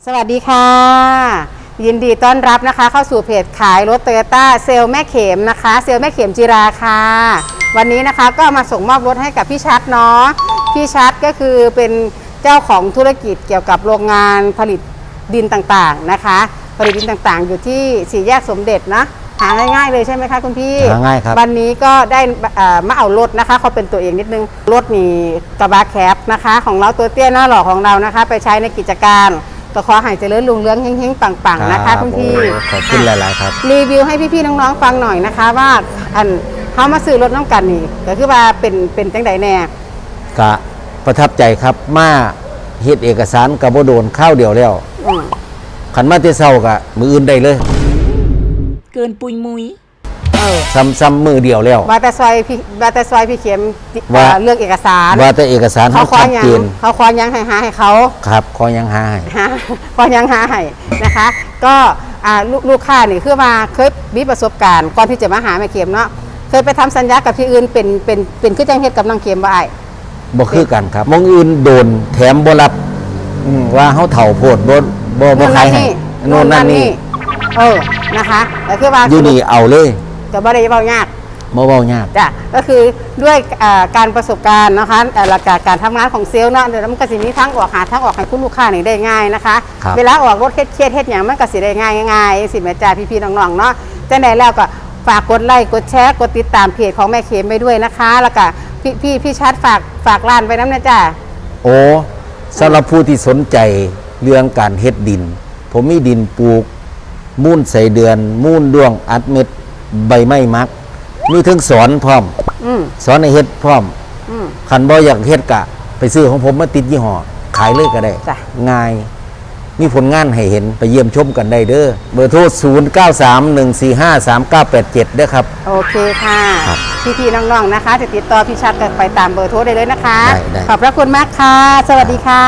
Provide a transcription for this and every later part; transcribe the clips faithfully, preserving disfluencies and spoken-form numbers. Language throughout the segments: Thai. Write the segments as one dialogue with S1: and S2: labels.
S1: สวัสดีค่ะยินดีต้อนรับนะคะเข้าสู่เพจขายรถโตโยต้าเซลแม่เข็มนะคะเซลแม่เข็มจิราค่ะวันนี้นะคะก็มาส่งมอบรถให้กับพี่ชัดเนาะพี่ชัดก็คือเป็นเจ้าของธุรกิจเกี่ยวกับโรงงานผลิตดินต่างๆนะคะผลิตดินต่างๆอยู่ที่สี่แยกสมเด็จนะหาง่ายๆเลยใช่ไหมคะคุณพี่
S2: หาง่ายครับ
S1: วันนี้ก็ได้มาเอารถนะคะเขาเป็นตัวเองนิดนึงรถมีกระบะแคปนะคะของเราตัวเตี้ยหน้าหล่อของเรานะคะไปใช้ในกิจการก็ขอให้เจริญรุ่งเรืองเฮงๆปังๆนะคะคุณพี่
S2: ขอบคุณหลายๆครับ
S1: รีวิวให้พี่ๆน้องๆฟังหน่อยนะคะว่าอันเขามาซื้อรถน้ำกันนี่ก็คือว่าเป็นเป็นจังไดแน่
S2: กะประทับใจครับมาเฮ็ดเอกสารกับโบโดนข้าวเดียวแล้วขันมาเตเศร้ากะมืออื่นได้เลย
S3: เกินปุยมุย
S1: เออ
S2: ซ้ำซ้ำมือเดียวแล้ว
S1: ว่าแต่ซอยพี่ว่าแต่ซอยพี่เข็มว่าเรื่องเอกสาร
S2: ว่าแต่เอกสาร
S1: เขาขอยังเขาขอยังให้หาให้เขา
S2: ครับขอยังหาให้
S1: ขอยังหาให้นะคะ ก็ลูกค้านี่คือมาเคยมีประสบการณ์ก่อนที่จะมาหาแม่เข็มเนาะเคยไปทำสัญญากับที่อื่นเป็นเป็นเป็นคือจังเฮ็ดกับน้องเข็มบ่อ้าย
S2: บ่คือกันครับมองอื่นโดนแถมบ่รับว่าเฮาเฒ่าโพดบ่บ่บ่ขายให้โน่นนั่นนี่
S1: เออนะคะแต่คือว่า
S2: อยู่นี่เอาเลย
S1: ก็บ่ได้เว้ายาก
S2: บ่เว้ายาก
S1: จ้ะก็คือด้วยการประสบการณ์นะคะหลักการการทำงานของเซลล์เนาะเดี๋ยวมันก็สิมีทั้งออกหาทั้งออกให้คุณลูกค้านี่ได้ง่ายนะคะเวลาออกรถเครียดๆเฮ็ดหยังมันก็สิได้ง่ายง่ายสิแม่จ้าพี่ๆน้องๆเนาะจังได๋แล้วก็ฝากกดไลค์กดแชร์กดติดตามเพจของแม่เข็มไปด้วยนะคะแล้วก็พี่พี่พี่ชัดฝากฝากร้านไว้นำนะจ้า
S2: โอ้สำหรับผู้ที่สนใจเรื่องการเฮ็ดดินผมมีดินปลูกมูลใส่เดือนมูลด้วงอัดเม็ดใบไม้มักมีทั้งสอนพร้อมสอนในเฮ็ดพร้อมขันบ่อยากเฮ็ดกะไปซื้อของผมมาติดยี่ห้อขายเลยก็ได้ง่ายมีผลงานให้เห็นไปเยี่ยมชมกันได้เด้อเบอร์โทรศูนย์ เก้า สาม หนึ่ง สี่ ห้า สาม เก้า แปด เจ็ดเด้อครับ
S1: โอเคค่ะพี่ๆน้องๆนะคะจะติดต่อพี่ชัดกันไปตามเบอร์โทรได้เลยนะคะขอบพระคุณมากค่ะสวัสดีค่ะ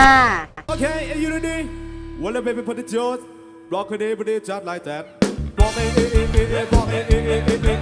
S4: Okay, are you ready? Well, baby, put the jaws. Block it, put it just like that. Block it,